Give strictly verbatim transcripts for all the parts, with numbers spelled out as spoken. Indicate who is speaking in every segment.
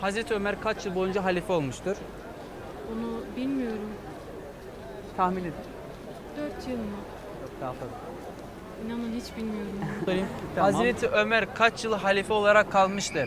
Speaker 1: Hazreti Ömer kaç yıl boyunca halife olmuştur?
Speaker 2: Onu bilmiyorum.
Speaker 1: Tahmin edin.
Speaker 2: Dört yıl mı?
Speaker 1: Daha fazla.
Speaker 2: İnanın hiç bilmiyorum.
Speaker 1: Sorayım. Hazreti Ömer kaç yıl halife olarak kalmıştır?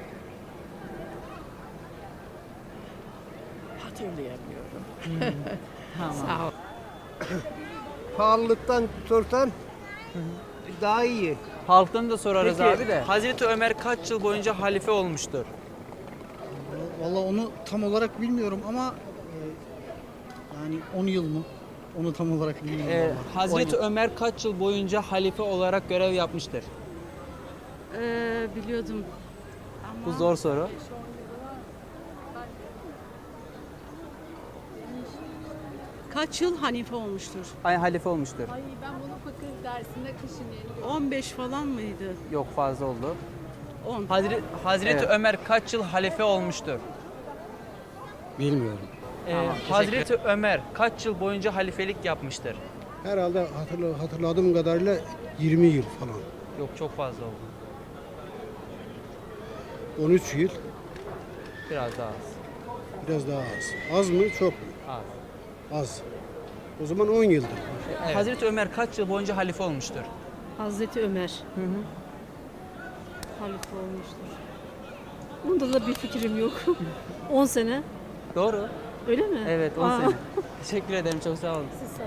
Speaker 3: Hatırlayamıyorum.
Speaker 1: Tamam.
Speaker 3: Sağ ol.
Speaker 4: Pahalılıktan sorsan daha iyi.
Speaker 1: Halktan da sorarız
Speaker 4: Peki.
Speaker 1: abi de. Hazreti Ömer kaç yıl boyunca halife olmuştur?
Speaker 5: Vallahi onu tam olarak bilmiyorum ama e, yani on yıl mı? Onu tam olarak bilmiyorum.
Speaker 1: Ee,
Speaker 5: vallahi.
Speaker 1: Hazreti
Speaker 5: On yıl.
Speaker 1: Ömer kaç yıl boyunca halife olarak görev yapmıştır?
Speaker 2: Ee, biliyordum.
Speaker 1: Bu zor soru.
Speaker 3: Kaç yıl hanife olmuştur?
Speaker 1: Ay halife olmuştur.
Speaker 6: Ay ben bunu fakir dersinde kışın yeni gördüm.
Speaker 3: on beş falan mıydı?
Speaker 1: Yok fazla oldu.
Speaker 3: on.
Speaker 1: Hazreti, Hazreti
Speaker 5: Evet.
Speaker 1: Ömer kaç yıl halife olmuştur?
Speaker 5: Bilmiyorum.
Speaker 1: Ee, Tamam, Hazreti Ömer kaç yıl boyunca halifelik yapmıştır?
Speaker 4: Herhalde hatırla, hatırladığım kadarıyla yirmi yıl falan.
Speaker 1: Yok çok fazla oldu.
Speaker 4: on üç yıl.
Speaker 1: Biraz daha az.
Speaker 4: Biraz daha az. Az mı? Çok mu?
Speaker 1: Az.
Speaker 4: Az. O zaman on yıldır.
Speaker 1: Evet. Hazreti Ömer kaç yıl boyunca halife olmuştur?
Speaker 2: Hazreti Ömer.
Speaker 1: Hı hı.
Speaker 2: Halife olmuştur. Bunda da bir fikrim yok. on sene.
Speaker 1: Doğru.
Speaker 2: Öyle mi?
Speaker 1: Evet on
Speaker 2: Aa.
Speaker 1: sene. Teşekkür ederim çok sağ olun.